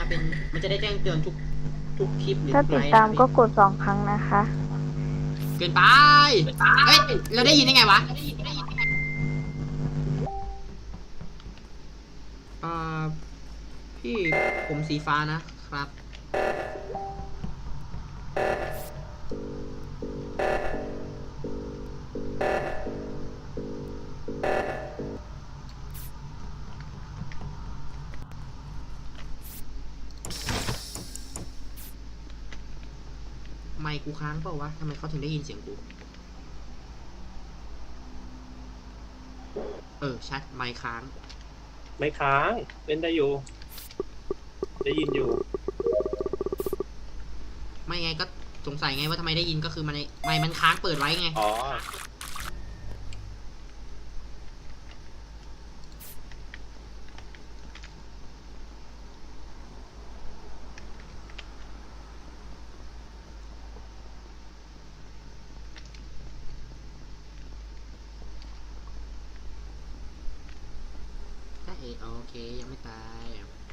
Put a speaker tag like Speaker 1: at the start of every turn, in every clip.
Speaker 1: เป็นมันจะได้แจ้งเตือนทุกคลิปหรือ
Speaker 2: ถ้า
Speaker 1: ทุก
Speaker 2: ติ
Speaker 1: ไล
Speaker 2: ด
Speaker 1: ฟ์
Speaker 2: ตามก็
Speaker 1: นะ
Speaker 2: กด2 ครั้งนะคะ
Speaker 1: เกินไปเอ้ยเราได้ยินได้ไงวะอ่าพี่ผมสีฟ้านะครับไมค์กูค้างเปล่าวะทำไมเขาถึงได้ยินเสียงกูชัดไมค์ค้าง
Speaker 3: ไม่ค้างเล่นได้อยู่ ได้ยินอยู่
Speaker 1: ไม่ไงก็สงสัยไงว่าทำไมได้ยินก็คือมันไมค์มันค้างเปิดไว้ไง
Speaker 3: อ๋อ
Speaker 1: โอเคยังไม่ตาย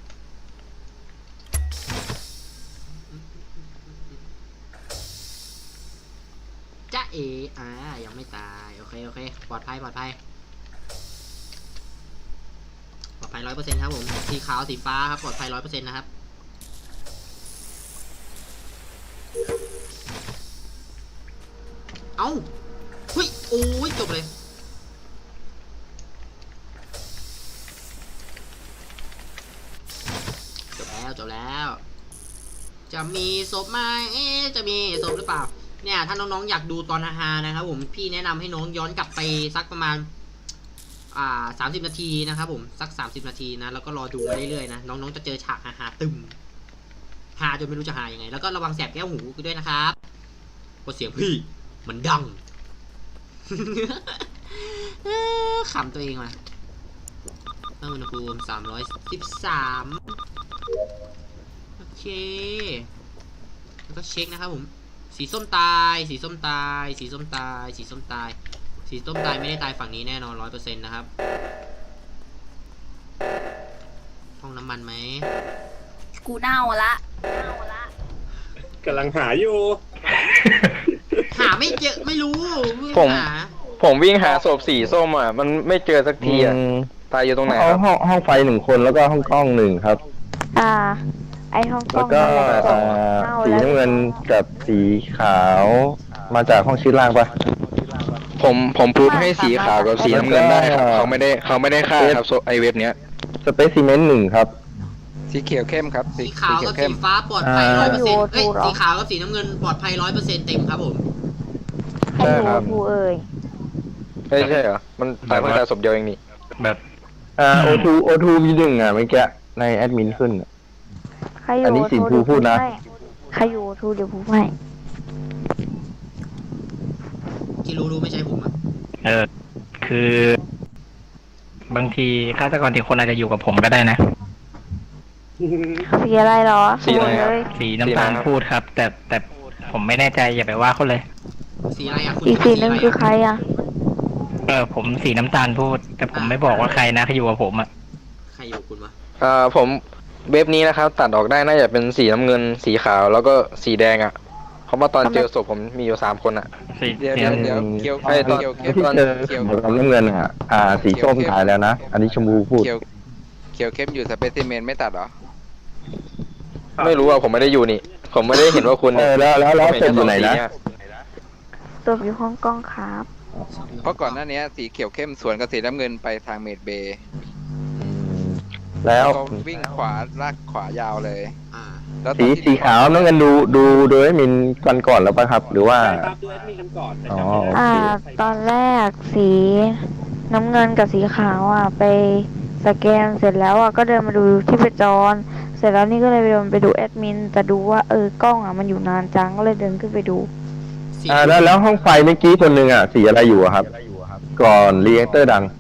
Speaker 1: จ๊ะเอยังไม่ตายโอเคปลอดภัย100%ครับผมสีขาวสีฟ้าครับปลอดภัย100%นะครับเอ้าเฮ้ยโอ้ยจบเลยจบแล้วจะมีศพไหมจะมีศพหรือเปล่าเนี่ยถ้าน้องๆอยากดูตอนฮาๆนะครับผมพี่แนะนำให้น้องย้อนกลับไปสักประมาณ30 นาทีนะครับผมสัก30 นาทีนะแล้วก็รอดูมาเรื่อยๆนะน้องๆจะเจอฉากฮาๆตึมฮาจนไม่รู้จะฮายังไงแล้วก็ระวังแสบแก้วหูด้วยนะครับเพราะเสียงพี่มันดัง ขำตัวเองมาอุณหภูมิ313โอเคแล้วก็เช็คนะครับผมสีส้มตายสีส้มตายสีส้มตายสีส้มตายสีส้มตายไม่ได้ตายฝั่งนี้แน่นอน100%นะครับห้องน้ำมันไหม
Speaker 4: กูเน่าละ
Speaker 3: กำลังหาอยู่
Speaker 1: หาไม่เจอไม่รู้
Speaker 5: ผมวิ่งหาศพสีส้มอ่ะมันไม่เจอสักทีอ่ะตายอยู่ตรงไหนครับ
Speaker 6: ห้องไฟ1 คนแล้วก็ห้องกล้อง1ครับ
Speaker 2: ไอห้องกล้
Speaker 6: แล้
Speaker 2: อ
Speaker 6: ว
Speaker 2: ง
Speaker 6: ก็
Speaker 2: เน่า
Speaker 6: สี
Speaker 2: แล้ว
Speaker 6: น้ำเงินกับสีขาวมาจากห้องชิ้นล่างปะ
Speaker 5: ผมพูดให้สีขาวกับสีน้ำเงินได้ครับเขาไม่ได้ฆ่าครับไอเว็บเนี้ย
Speaker 6: สเปซซีเมนต์1ครับ
Speaker 5: สีเขียวเข้มครับ
Speaker 1: สีขาวกับสีฟ้าปลอดภัย100%เอ้ยสีขาวกับสีน้ำเงินปลอดภัย100%เต็มครับผม
Speaker 2: ใครอยู่ทูเอ่ย
Speaker 5: ใช่เหรอมันตายเพิ่งตายศพเดียวเองนี่
Speaker 6: โอทูมี1เมื่อกี้ในแอดมินขึ้น
Speaker 2: ใครอยู่
Speaker 6: อันนี้สีภูพูดนะ
Speaker 2: ใครอยู่ทูเดี๋ยวพูดให้
Speaker 1: ที่รู้ไม่ใช่ผมอ่ะ
Speaker 7: คือบางทีฆาตกรที่คนอาจจะอยู่กับผมก็ได้นะ
Speaker 2: สีอะไรเหรอ
Speaker 5: สีอะไรครับ
Speaker 7: สีน้ำตาลพูดครับ แต่ผมไม่แน่ใจอย่าไปว่าเขาเลย
Speaker 1: สีอะไรอ่ะคุณ
Speaker 2: อีกสีหนึ่งคือใครอ่ะ
Speaker 7: ผมสีน้ำตาลพูด แต่ผมไม่บอกว่าใครนะเขาอยู่กับผมอ่ะ
Speaker 1: ใครอยู่คุณวะ
Speaker 5: ผมเว็บนี้นะครับตัดออกได้น่าจะเป็นสีน้ำเงินสีขาวแล้วก็สีแดงอ่ะเพราะว่าตอนเจอศพผมมีอยู่3 คนอ่ะ
Speaker 7: สี
Speaker 5: เดี๋ยว
Speaker 7: เขียว
Speaker 5: ไอ้ตอน
Speaker 6: ที่เจอกับน้ำเงินสีส้มตายแล้วนะ อันนี้ชมพูพูด
Speaker 8: เขียวเข้มอยู่สเปซิเมนไม่ตัดเหรอ
Speaker 5: ไม่รู้อ่ะผมไม่ได้อยู่นี่ ผมไม่ได้เห็นว่าคุณ
Speaker 6: แล้วศพอยู่ไหนนะ
Speaker 2: ศพอยู่ห้องกล้องครับ
Speaker 8: เพราะก่อนหน้านี้สีเขียวเข้มสวนกับสีน้ำเงินไปทางเมดเบย์
Speaker 6: แล้ว
Speaker 8: ก็วิ่งขวาลากขวายาวเลย แล้วต
Speaker 6: สี
Speaker 8: อนที่
Speaker 6: สีขาวน้ำเงินดูโดยมินก่อนแล้วปะครับ หรือว่า
Speaker 3: ใช่ครับดูแอดมินกันก่อนแต่
Speaker 6: อ๋อ
Speaker 3: จำไม่ได้
Speaker 6: โอเค
Speaker 2: ตอนแรกสีน้ำเงินกับสีขาวไปสแกนเสร็จแล้วก็เดินมาดูที่ประจร เสร็จแล้วนี่ก็เลยเดินไปดูแอดมินจะดูว่ากล้องมันอยู่นานจังก็เลยเดินขึ้นไปดู
Speaker 6: แล้วห้องไฟเมื่อกี้คนหนึ่งสีอะไรอยู่อะครับ ก่อนรีแอคเตอร์ดัง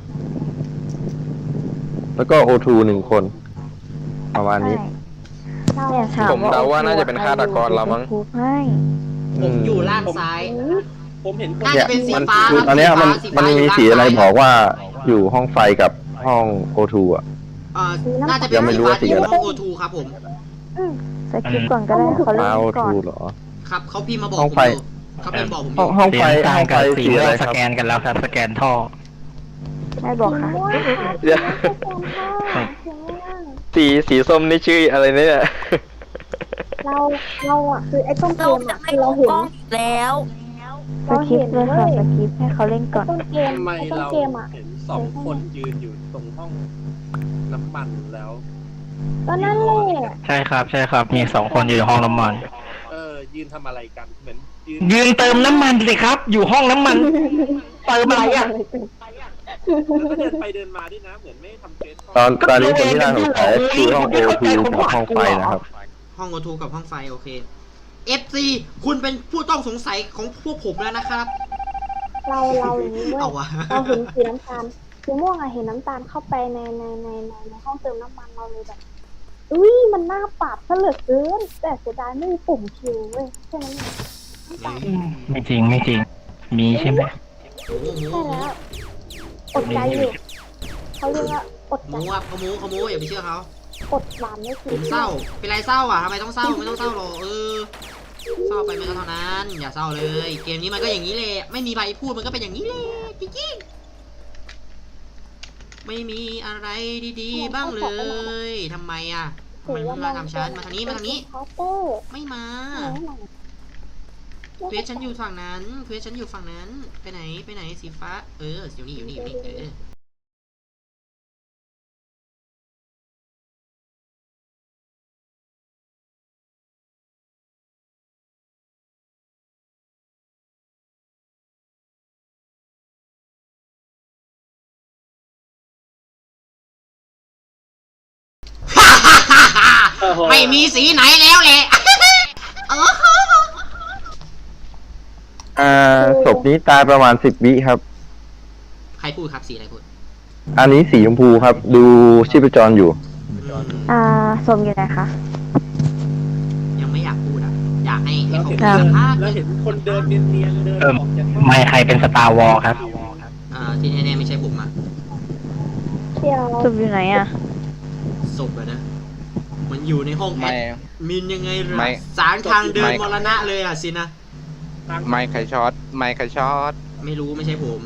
Speaker 6: แล้วก็โอทู1 คนประมาณนี้
Speaker 2: เนี่ยถาม
Speaker 5: ผมเดาว่าน่าจะเป็นฆาตกรเรามั้ง
Speaker 2: พูดให้
Speaker 1: ผมอยู่ล่างซ้าย
Speaker 3: ผมเห็นคน
Speaker 1: น่าจะเป็นสี
Speaker 6: มัน
Speaker 1: ฟ้า
Speaker 6: คือตอนเนี้ยมัน
Speaker 1: สีฟ้า
Speaker 6: มี
Speaker 1: อยู่
Speaker 6: สีอะไร
Speaker 1: ด้านซ้าย
Speaker 6: บอกว่าอยู่ห้องไฟกับห้องโอทูอ่ะ
Speaker 1: น่าจะเป็น
Speaker 6: ยังไม่
Speaker 1: สี
Speaker 6: รู้
Speaker 1: ฟ้า
Speaker 6: ว่าสี
Speaker 1: ที่
Speaker 6: อะไร
Speaker 1: ห้องโอทูครับผม
Speaker 2: สกิปก่อนก็ได้เขาเล่
Speaker 6: เอา
Speaker 2: นก่อน
Speaker 6: ทูเหรอ
Speaker 1: ครับเขาพิมพ์มาบอก
Speaker 6: ห้
Speaker 1: ผ
Speaker 6: อง
Speaker 1: ม
Speaker 6: ไฟ
Speaker 1: อยู่เขาพิมพ์บอกผมอ
Speaker 6: ห้อง
Speaker 1: ยู่
Speaker 6: ห้อง
Speaker 7: สี
Speaker 6: ไฟ
Speaker 7: น้ำตา
Speaker 6: ห้
Speaker 7: ล
Speaker 6: อง
Speaker 7: กับ
Speaker 6: ไฟ
Speaker 7: สี
Speaker 6: สี
Speaker 7: ม่
Speaker 6: อะ
Speaker 7: ว
Speaker 6: ไรง ค
Speaker 7: ส
Speaker 6: รับ
Speaker 7: แกนกันแล้วครับ สแกนท่อ
Speaker 2: ไม่บอกค่ะ
Speaker 6: เดี๋ยวสีส้มนี่ชื่ออะไรเนี่ย
Speaker 9: เราอ่ะคือไอ้ต้นเก
Speaker 4: เรา
Speaker 9: ม
Speaker 4: จะ
Speaker 9: อ่ะ
Speaker 4: ไม่
Speaker 9: คือ
Speaker 4: ล
Speaker 9: เรา
Speaker 4: ง
Speaker 9: เห็น
Speaker 4: กล้องอีกแล้ว
Speaker 2: สกิปเลยค่ะสกิปให้เขาเล่นก่อน
Speaker 9: ต้นเกม
Speaker 3: ทำไม
Speaker 9: ไอ้ต้น
Speaker 3: เรา
Speaker 9: เกมอ่ะ
Speaker 3: เห็นสองคนยืนอยู่ตรงห้องน้ำมันแล้ว
Speaker 9: ก็นั่นแหละ
Speaker 7: ใช่ครับ ใช่ครับ มี2 คนอยู่ในห้องน้ำมัน
Speaker 3: ยืนทำอะไรกันเหมือนยืน
Speaker 7: ยืนเติมน้ำมันสิครับ อยู่ห้องน้ำมันเติมอะไรอ่ะ
Speaker 3: แล้วก็เดินไปเดินมาด้วยนะเหมือนไม่ทำเฟซ
Speaker 6: ตอนนี้คนที่น่าสงสัยคือห้องโอทูกับห้องไฟนะครับ
Speaker 1: ห้องโอทูกับห้องไฟโอเค FC คุณเป็นผู้ต้องสงสัยของพวกผมแล้วนะครับ
Speaker 9: เราอย่างนี้เว้ย
Speaker 1: เอาวะ
Speaker 9: เราเห็นสีน้ำตาลสีม่วงอะเห็นน้ำตาลเข้าไปในห้องเติมน้ำมันเราเลยแบบอุ้ยมันน่าปรับซะเหลือเกินแต่เสียดายไม่มีปุ่มคิวเว้ยแค่นั้นเองไม่ต่าง
Speaker 7: ไม่จริง ไม่จริง มีใช่ไหม
Speaker 1: โอ้โห
Speaker 9: ใช่แล้วอดใจอยู่เขาเรียกว่าอด
Speaker 1: ห
Speaker 9: ใจ
Speaker 1: มูครับเขาหมูอย่าไปเชื่อเขา
Speaker 9: อดหวานไม่
Speaker 1: ผ
Speaker 9: คือ
Speaker 1: มเศร้า เป็นไรเศร้าอ่ะทำไมต้องเศร้าไม่ต้องเศร้าหรอกเศร้าไปไม่ก็เท่านั้น อย่าเศร้าเลย เกมนี้มันก็อย่างนี้เลยไม่มีใบพูดมันก็เป็นอย่างนี้เลยจริงๆไม่มีอะไรดีๆบ้างเลยทำไมอ่ะทำไมไม่มาทำฉันมาทางนี้มาทางนี้
Speaker 9: เคาน์เตอร์
Speaker 1: ไม่มา เควสฉันอยู่ฝั่งนั้นเควสฉันอยู่ฝั่งนั้น ไปไหนสีฟ้า อยู่นี่ไม่มีสีไหนแล้วแหละ
Speaker 6: ศพนี้ตายประมาณ10 วิครับ
Speaker 1: ใครพูดครับสีอะไรพูด
Speaker 6: อันนี้สีชมพูครับ ดูชีพจรอยู่
Speaker 2: สมอยู่ไหนคะ
Speaker 1: ยังไม่อยากพูดอ่ะ อยากให้
Speaker 3: แล้ว
Speaker 1: เขา
Speaker 3: เห็น
Speaker 1: สัมภาษณ์
Speaker 3: แล้วเห็นคนเดินเนียนๆเดินออกจากห้อง
Speaker 7: ไม่ใครเป็นสตาร์วอลครับ
Speaker 1: ที่แน่ๆไม่ใช่ผมอ่ะ
Speaker 9: เดี๋ยว
Speaker 2: สมอยู่ไหนอ่ะ
Speaker 1: ศพอะนะ มันอยู่ในห้องแอ
Speaker 8: ไม่
Speaker 1: ดมินยังไงล่ะ
Speaker 8: ไม่
Speaker 1: สารทางเดินมรณะเลยอ่ะสินะ
Speaker 8: ไม่ใครช็อตไม่ใครช็อต
Speaker 1: ไม่รู้ไม่ใช่ผม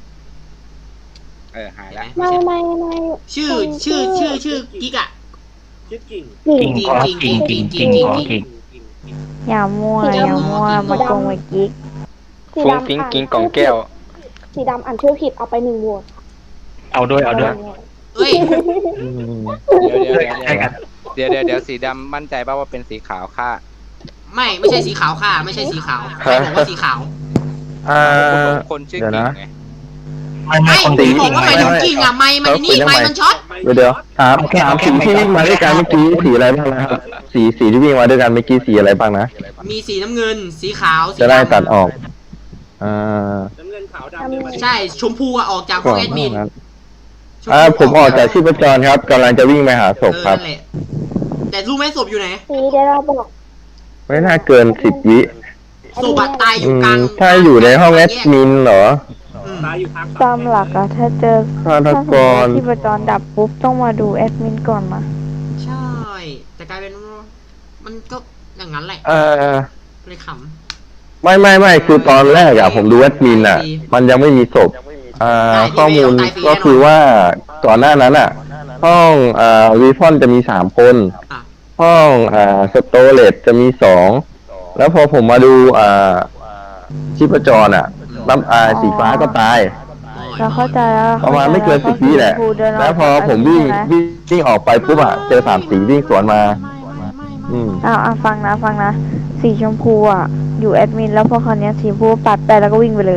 Speaker 8: หาย
Speaker 1: เห็น
Speaker 8: ละ
Speaker 1: ไหม
Speaker 9: ไม่
Speaker 1: ชื่อกิ๊กอ่ะ
Speaker 3: ชื่อกิ่ง
Speaker 7: กิ่งขอกิ่งขอกิ่ง
Speaker 2: อย่ามั่วมาโกงไว้กิ๊ก
Speaker 9: สี
Speaker 5: ฟุ้ง
Speaker 9: ดำ
Speaker 5: ฟิ้งกิงกล่องแก้ว
Speaker 9: สีดำอ่านชื่อผิดเอาไป1 โหวต
Speaker 7: เอาด้วย
Speaker 1: เอ้ย
Speaker 7: ใช่กัน
Speaker 8: เดี๋ยวสีดำมั่นใจป่าว่าเป็นสีขาวค่ะ
Speaker 1: ไม่ใช่สีขาวค่ะ ไม่ใช่สีขาวใครบอกว่าสีขาว
Speaker 8: คนชื่อ
Speaker 6: เดี๋ยว
Speaker 8: กิ่ง
Speaker 6: นะ
Speaker 8: ไง
Speaker 7: ไม่คน
Speaker 1: ผ
Speaker 7: ตี
Speaker 1: มบอกว่าหมายถึงกิ่งอ่ะไม้มันนี่ไม้มันช็อต
Speaker 6: เดี๋ยวถามสีที่วิ่งมาด้วยกันเมื่อกี้สีอะไรบ้างนะครับสีที่วิ่งมาด้วยกันเมื่อกี้สีอะไรบ้างนะ
Speaker 1: มีสีน้ำเงิน สีขาวสี
Speaker 6: จะได้
Speaker 1: ดำ
Speaker 6: ตัดออก
Speaker 3: น้ำเงินขาวดำเดินมา
Speaker 1: ใช่ชมพูอะออกจากห้
Speaker 6: ก่
Speaker 1: อ
Speaker 6: อง น
Speaker 1: แอดมิน
Speaker 6: นั้น
Speaker 1: ชพู
Speaker 6: ผมออกจากชีพจรครับกำลังจะวิ่งไปหาศพครับ
Speaker 1: นั่นแหละแต่รู้ไหมศพอยู่ไหน
Speaker 9: สีเดี๋ยวเราบอก
Speaker 6: ไม่น่าเกิน10 วิ
Speaker 1: ศพอะตายอยู่กลาง
Speaker 6: ถ้าอยู่ในห้องแอดมินเหรอ
Speaker 3: ตายอยู่ทาง
Speaker 2: ตามหลักอะถ้าเจอ
Speaker 6: ฆาต
Speaker 2: ถ้าสมม
Speaker 6: ก
Speaker 2: ติ
Speaker 6: ร
Speaker 2: ว่าที่ประจรดับปุ๊บต้องมาดูแอดมินก่อนนะ
Speaker 1: ใช่ แต่กลายเป็นว่ามันก็อย่างนั้นแหละ เลยข
Speaker 6: ไม่คือตอนแรกอะผมดูแอดมินอะมันยังไม่มีศพข้อมูลก็คือว่าก่อนหน้านั้นอะห้องวีฟอนจะมี3 คน
Speaker 1: ำอ่ะ
Speaker 6: ห้องสโตเลตจะมี2แล้วพอผมมาดูชีพจรอะสีฟ้าก็ตาย
Speaker 2: เราเข้าใจแล้ว
Speaker 6: ประมาณไม่เกิน10 วิแหละ แล้วพอผมวิ่งออกไปปุ๊บอะเจอ3 สีวิ่งสวนมา
Speaker 2: ฟังนะสีชมพูอ่ะอยู่แอดมินแล้วพอคราวเนี้ยสีชมพูปัดไปแล้วก็วิ่งไปเลย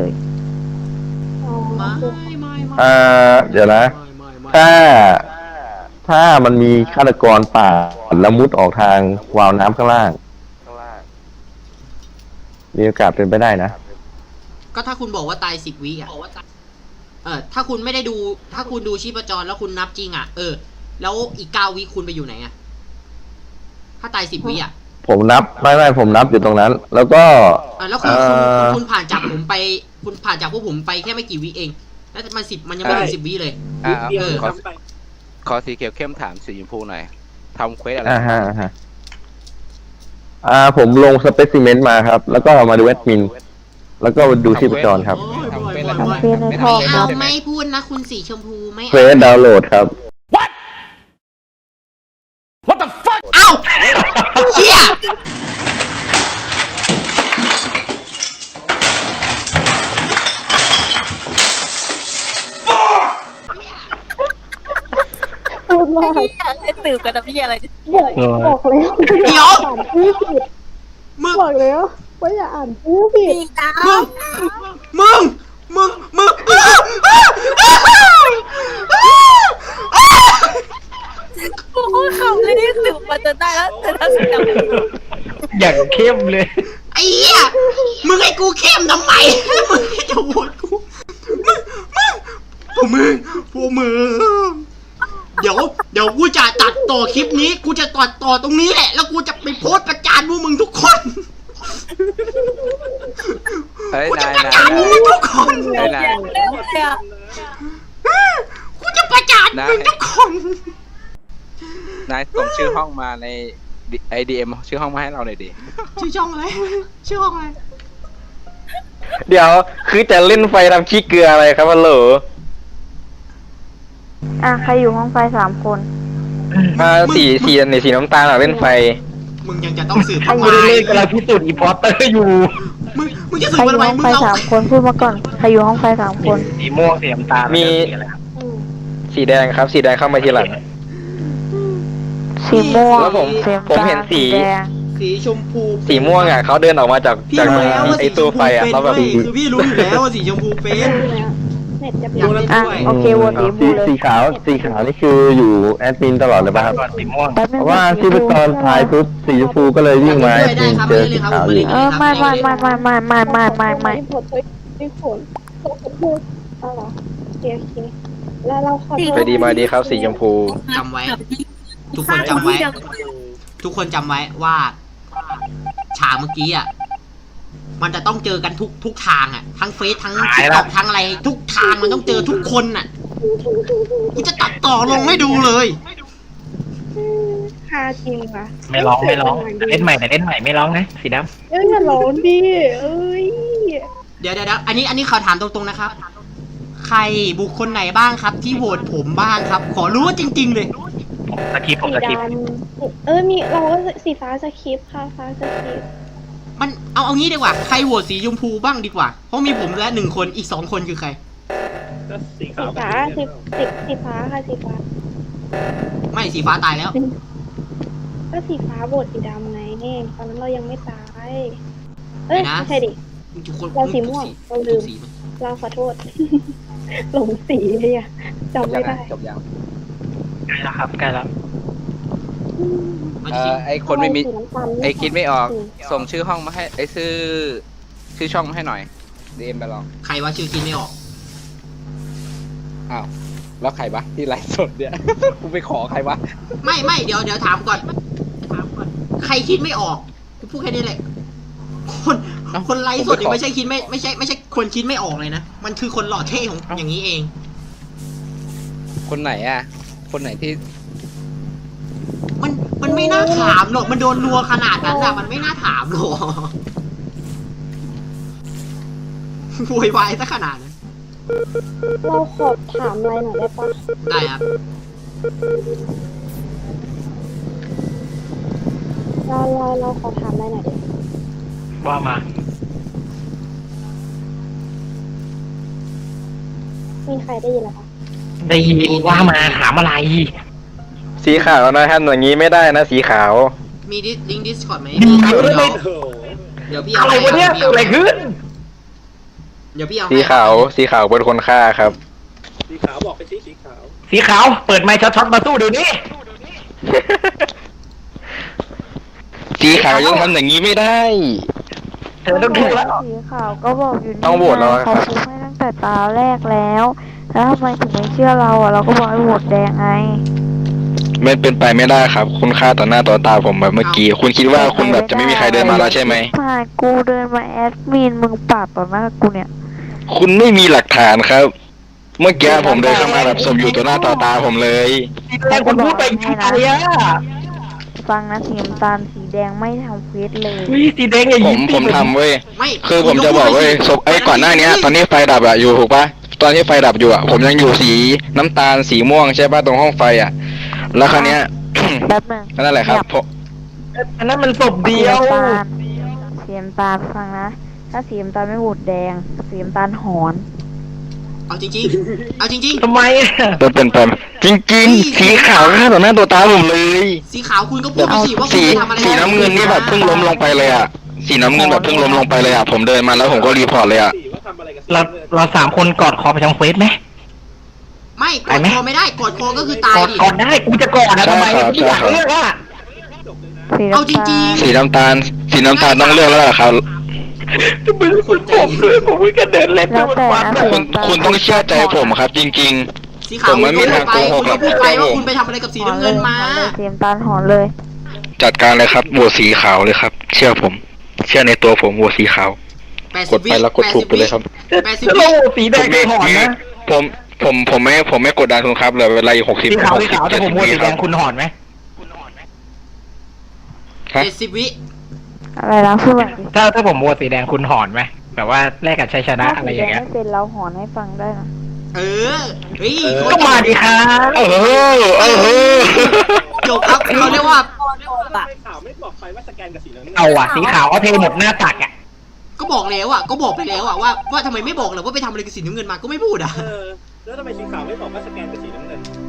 Speaker 6: เดี๋ยวนะ ถ้ามันมีฆาตกรป่าละมุดออกทางวาล์วน้ำข้างล่าง มีโอกาสเป็นไปได้นะ
Speaker 1: ก็ถ้าคุณบอกว่าตาย10 วิอ่ะถ้าคุณไม่ได้ดู ถ้าคุณดูชีพจรแล้วคุณนับจริงอ่ะแล้วอีก9 วิคุณไปอยู่ไหนอ่ะถ้าตาย10 วิอ่ะ
Speaker 6: ผมนับผมนับอยู่ตรงนั้น แล้วก็
Speaker 1: แล้วคุณผ่านจากผมไป คุณผ่านจากพวกผมไปแค่ไม่กี่วิเอง แล้วมันยังไม่ถึง10 วิเลย
Speaker 3: เดียว
Speaker 8: ขอ
Speaker 3: ทำไป
Speaker 8: ขอสีเขียวเข้มถามสีชมพูหน่อยทำเควสอะไร
Speaker 6: ผมลงสเปซิเมนต์มาครับ แล้วก็มาดูแอดมิน แล้วก็ดูชีพจรครับ
Speaker 1: โอ้ยบ่อย
Speaker 8: ทำเควส
Speaker 1: บ่
Speaker 8: อะ
Speaker 1: อย
Speaker 8: ไร
Speaker 1: บ่อย
Speaker 2: เฟซในท่อค
Speaker 1: เอา
Speaker 2: รับ
Speaker 1: ไม่พูดนะคุณสีชมพูไม่
Speaker 6: เฟซดาวน์โหลดครับ
Speaker 1: เอ้าเชี่ย
Speaker 9: พูดว่า
Speaker 4: พี่อยากให้สืบกันนะพี่อะไร
Speaker 9: บอกแล้ว
Speaker 1: เดี๋ยว
Speaker 9: อ่านชื่อผิด
Speaker 1: มึง
Speaker 9: บอกแล้วว่าอย่าอ่านชื่อผิด
Speaker 4: พี่ดา
Speaker 1: มึงมึง
Speaker 4: กูพูดคำเลยที่สืบมาจนได้แล้วแต่ถ้าสืบจำ
Speaker 7: อย่างเข้มเลย
Speaker 1: ไอ้เหี้ยมึงให้กูเข้มทำไมมึงจะโหวตกูพวกมึงเดี๋ยวกูจะตัดต่อคลิปนี้ กูจะตัดต่อตรงนี้แหละ แล้วกูจะไปโพสต์ประจานพวกมึงทุกคน
Speaker 8: เฮ้ย
Speaker 1: กูจะ
Speaker 8: นาย
Speaker 1: ประ
Speaker 8: นา
Speaker 1: จาน
Speaker 8: ย
Speaker 1: พวกมึงทุกคน
Speaker 8: เฮ้ยนาย
Speaker 4: เนี่ย
Speaker 1: กูจะประจานมึงทุกคน
Speaker 8: นายส่งชื่อห้องมาใน IDM ชื่อห้องมาให้เราหน่อยดิ
Speaker 1: ชื่อช่องอะไรชื่อห้องอะไร
Speaker 5: เดี๋ยวคือจะเล่นไฟทำขี้เกลืออะไรครับฮัลโหล
Speaker 2: ใครอยู่ห้องไฟ3 คน
Speaker 5: สีน้ำตาลเล่นไฟ
Speaker 1: มึงยังจะต้องสืบ
Speaker 2: ใคร
Speaker 1: ทำ
Speaker 2: อยู่
Speaker 1: ไม
Speaker 7: เล่นกำลังพิสูจน์อีพอร์เตอร์อยู่
Speaker 1: มึงจะ
Speaker 2: ใค
Speaker 1: สื
Speaker 2: ร
Speaker 1: บ
Speaker 2: อยู่
Speaker 1: ทำไม
Speaker 2: ห้อง
Speaker 1: มึง
Speaker 2: ไฟ
Speaker 1: เอา
Speaker 2: 3 คนพูดมาก่อน ใครอยู่ห้องไฟ3 คน
Speaker 7: สีม่วงสีน้ำตาล
Speaker 5: มี
Speaker 9: อืม
Speaker 5: สีแดงครับ สีแดงเข้ามาทีหลัง
Speaker 2: สีม่วง
Speaker 5: แล้วผม
Speaker 2: สีน้ำตาล
Speaker 5: ผมเห็นสี
Speaker 2: แดง
Speaker 1: สีชมพู
Speaker 5: สีม่วงอ่ะเขาเดินออกมาจาก
Speaker 1: พี่
Speaker 5: จาก
Speaker 1: รู้แล้วว่า
Speaker 5: ไอ
Speaker 1: สีช
Speaker 5: ตัว
Speaker 1: ม
Speaker 5: ไฟ
Speaker 1: พู
Speaker 5: อ่ะ
Speaker 1: เป็น
Speaker 5: แล้วแบบ
Speaker 1: เว้ยคือพี่รู้อยู่แล้วว่าสีชมพูเป็น
Speaker 9: เน็ตจะ
Speaker 1: อยากเล่น ด้วย
Speaker 2: โอเควนสีบูเลย
Speaker 6: สีขาวนี่คืออยู่แอดมินตลอดเลยป่ะครับ
Speaker 7: ก่อนสีม่วง
Speaker 2: แป๊บนึ
Speaker 6: เพ
Speaker 2: ง
Speaker 6: ราะว่าชีพจรทายปุ๊บสีชมพูก็เลยวิ่งมาแอดมินเจอสีขาวอยู่
Speaker 2: ไม่ไม่
Speaker 9: ผลไม่ผลตัวผลพูดอ๋อเหรอโอเคแล้วเราขอโทษ
Speaker 5: ไปดีมาดีครับสีชมพู
Speaker 1: จำไว้ ทุกคนจำไว้ ทุกคนจำไว้ว่าฉากเมื่อกี้อ่ะมันจะต้องเจอกันทุกทางอ่ะทั้งเฟซทั้งทิกตอกทั้งอะไรทุกทางมันต้องเจอทุกคนอ่ะกูจะตัดต่อลงให้ดูเลย
Speaker 9: ฮาจริงว่ะ
Speaker 7: ไม่ร้องเล่นใหม่แต่เล่นใหม่ไม่ร้องนะสีดำ
Speaker 9: อย่าร้องดิเอ้ย
Speaker 1: เดี๋ยวอันนี้เขาถามตรงๆนะครับ ใครบุคคลไหนบ้างครับ ที่โหวตผมบ้างครับ ขอรู้ว่าจริง ๆ เลย
Speaker 7: สคริปต์ผม
Speaker 9: สี
Speaker 7: สคริปต์
Speaker 9: ดำมีเราก็สีฟ้าสคริปต์ค่ะฟ้าสคริปต์
Speaker 1: มันเอางี้ดีกว่าใครโหวตสีชมพูบ้างดีกว่าเพราะมีผมและ1 คนอีก2 คนคือใคร
Speaker 3: ก็สี
Speaker 9: สี
Speaker 3: ขาว
Speaker 9: ฟ้าสีฟ้าค่ะสีฟ้า
Speaker 1: ไม่สีฟ้าตายแล้ว
Speaker 9: ก็สีฟ้าโบดสีดำไงเนี่ยตอนนั้นเรายังไม่ตาย เอ้ย
Speaker 1: ไหนนะ
Speaker 9: ไม่ใช่ดิ
Speaker 1: ทุกคน
Speaker 9: เราสีม่วงเราลืม
Speaker 1: สีมัน
Speaker 9: เราขอโทษ หลงสีเลยอะจำไม่ได้
Speaker 8: จบยัง
Speaker 7: ใกล้แล้วครับใกล้แล้ว
Speaker 1: มันจะสี
Speaker 8: ไอคนไม่มี
Speaker 9: สีน้ำตาล
Speaker 8: ไอคิดไม่ออก
Speaker 9: สี
Speaker 8: ส่งชื่อห้องมาให้ไอชื่อช่องมาให้หน่อย DM ไปลอง
Speaker 1: ใครว่าชื่อคิดไม่ออก
Speaker 8: อ้าวแล้วใครวะที่ไลฟ์สดเนี่ย กูไปขอใครวะ
Speaker 1: ไม่เดี๋ยวถามก่อน ใครคิดไม่ออกกูพูดแค่นี้แหละคนไลฟ์สดนี่ไม่ใช่คิดไม่ใช่คนคิดไม่ออกเลยนะมันคือคนหล่อเท่ของอย่างนี้เอง
Speaker 8: คนไหนอ่ะ คนไหนที่
Speaker 1: มันไม่น่าถามหรอกมันโดนรัวขนาดนั้นอะมันไม่น่าถามหรอกโวยวายซะขนาดนั้น
Speaker 9: เราขอถามอะไรหน่อยได้ปะ
Speaker 1: ได้ครับ
Speaker 9: เราขอถามอะไรหน่อยดิ
Speaker 7: ว่ามา
Speaker 9: มีใครได้ยินหรอคะ
Speaker 7: ได้ยินว่ามาถามอะไร
Speaker 5: สีขาวนะครับอย่างนี้ไม่ได้นะสีขาว
Speaker 1: มีลิงก์ดิสคอร์ดไหม
Speaker 7: มี
Speaker 1: เดี๋ยว
Speaker 7: ไม่
Speaker 3: โอ้โห
Speaker 1: เดี๋ยวพี่เอา
Speaker 7: อะไรวะเนี่ยเกิดอะไรขึ้น
Speaker 1: เดี๋ยวพี่เอา
Speaker 5: สีขาวเป็นคนฆ่าครับ
Speaker 3: สีขาวบอกไปสิสีขาว
Speaker 7: สีขาวเปิดไมค์ช็อตๆมาสู้เดี๋ยวนี้
Speaker 5: สีขาวยังทำอย่างนี้ไม่ได้
Speaker 7: เธอต้องถูกแล้ว
Speaker 2: สีขาวก็บอกอยู่นี่
Speaker 5: ต้องโหวตแล้วครับ
Speaker 2: เขาพูดให้ตั้งแต่ตาแรกแล้ว แล้วทำไมถึงไม่เชื่อเราเราก็บอกให้โหวตแดงไง
Speaker 5: มันเป็นไปไม่ได้ครับ คุณฆ่าต่อหน้าต่อตาผมแบบเมื่อกี้ คุณคิดว่าคุณแบบจะไม่มีใครเดินมาแล้วใช่ไหม
Speaker 2: ผ่านกูเดินมาแอดมินมึงปาดต่อหน้ากูเนี่ย
Speaker 5: คุณไม่มีหลักฐานครับเมื่อกี้ผมเดินเข้ามาแบบศพอยู่ต่อหน้าต่อตาผมเลย
Speaker 7: แต่คนพูดไปยิงใครอ่ะ
Speaker 2: ฟังนะสีน้ำตาลสีแดงไม่ทำเควสเลย
Speaker 7: อุ้ยสีแดงอย่า
Speaker 5: ผ
Speaker 7: ยิ
Speaker 5: ม
Speaker 7: ง
Speaker 5: ผมทำเว้ย
Speaker 1: ไม่
Speaker 5: คือผมจะบอกเว้ยศพก่อนหน้านี้ตอนนี้ไฟดับอะอยู่ถูกปะตอนที่ไฟดับอยู่อะผมยังอยู่สีน้ำตาลสีม่วงใช่ปะตรงห้องไฟอะแล้วคราวเนี้ย
Speaker 2: แป๊บนึง
Speaker 5: นั่นแหละครับผม
Speaker 7: อันนั้นมันศพ
Speaker 2: สี
Speaker 7: เดียว
Speaker 2: น้ำตาลสีน้ำตาลฟังนะ ถ้าสีน้ำตาลไม่โหวตแดงสีน้ำตาลหอน
Speaker 1: เอาจริงๆเอาจริง
Speaker 7: ทำไมอะ
Speaker 5: เป็นไปจริงๆสีขาวฆ่าต่อหน้าต่อตาผมเลย
Speaker 1: ๆสีขาวคุณก็พูดไปสิว่าคุณ
Speaker 5: สี
Speaker 1: ไปทำอะไร
Speaker 5: สีน้ำเงินนี่แบบเพิ่งล้มลงไปเลยอะสีน้ำเงินแบบเพิ่งล้มลงไปเลยอะผมเดินมาแล้วผมก็รีพอร์ตเลยอะ
Speaker 3: สีว่าทำอะไรกับสี
Speaker 7: เราสามคนกอดคอไปทำเควสไหม
Speaker 1: ไม่กดคอไม่ได้กดคอก็คือตาย
Speaker 7: กอด
Speaker 1: ดิ
Speaker 7: กอดได้กูจะกอดนะทำไมกูไม่อยากเลือกอ่ะ
Speaker 2: สี
Speaker 1: เอา
Speaker 2: น้ำ
Speaker 1: จ
Speaker 2: ตา
Speaker 1: ริง
Speaker 2: ล
Speaker 5: สีน้ำตาลต้องเลือกแล้วล่ะครับ
Speaker 7: ไม่รู้สึกผมเลยผมไม่กระเดินเล่น
Speaker 2: แล้วแต่นะสี
Speaker 5: คุณ
Speaker 2: น้ำตาล
Speaker 5: คุณต้องเชื่อใจผมครับ จริง
Speaker 1: ๆสีขาวคุณก็พูดไปคุณก็พูดไปว่าคุณไปทำอะไรกับสีน้ำเงินมา
Speaker 2: หอนเลยสีน้ำตาลหอนเลย
Speaker 5: ๆ จัดการเลยครับโหวตสีขาวเลยครับ เชื่อผม เชื่อในตัวผมโหวตสีขาว กดไปแล้วกดถูกไปเลยครับ
Speaker 1: 80
Speaker 7: จะ
Speaker 1: วิ
Speaker 7: โลสีแดงไม่หอนนะ
Speaker 5: ผมไม่กดดันคุณครับเหลือเวลาอีก60
Speaker 7: สีขาวสีขาวแต่ผมโหวตสีแดงคุณหอนไหม
Speaker 5: ฮะ
Speaker 1: 70 วิ
Speaker 2: อะไรนะพูดแบบนี้
Speaker 7: ถ้าผมโหวตสีแดงคุณหอนไหมแบบว่าแลกกับชัยชนะ
Speaker 2: ถ้า
Speaker 7: อะไร
Speaker 2: สี
Speaker 7: อ
Speaker 2: แด
Speaker 7: ย่าง งเงี้ย
Speaker 2: ไม่เป็นเราหอนให้ฟังได้นะ
Speaker 1: เออเฮ้ย
Speaker 7: ก็มาดิครับ
Speaker 1: จบครับเขาเรียกว่า
Speaker 3: ทำไมข่าวไม่บอกไปว่าสแกนกับสีน้ำเงิน
Speaker 7: เอาอ่ะสีขาวเอาเทหมดหน้าตักอ่ะ
Speaker 1: ก็บอกแล้วอ่ะก็บอกไปแล้วอ่ะว่าทำไมไม่บอกล่ะว่าไปทำอะไรกับสีน้ำเงินมาก็ไม่พูดอ่ะ
Speaker 3: แล้วทำไมสีขาวไม่บอกว่าสแกนกับสีน้ำเงิน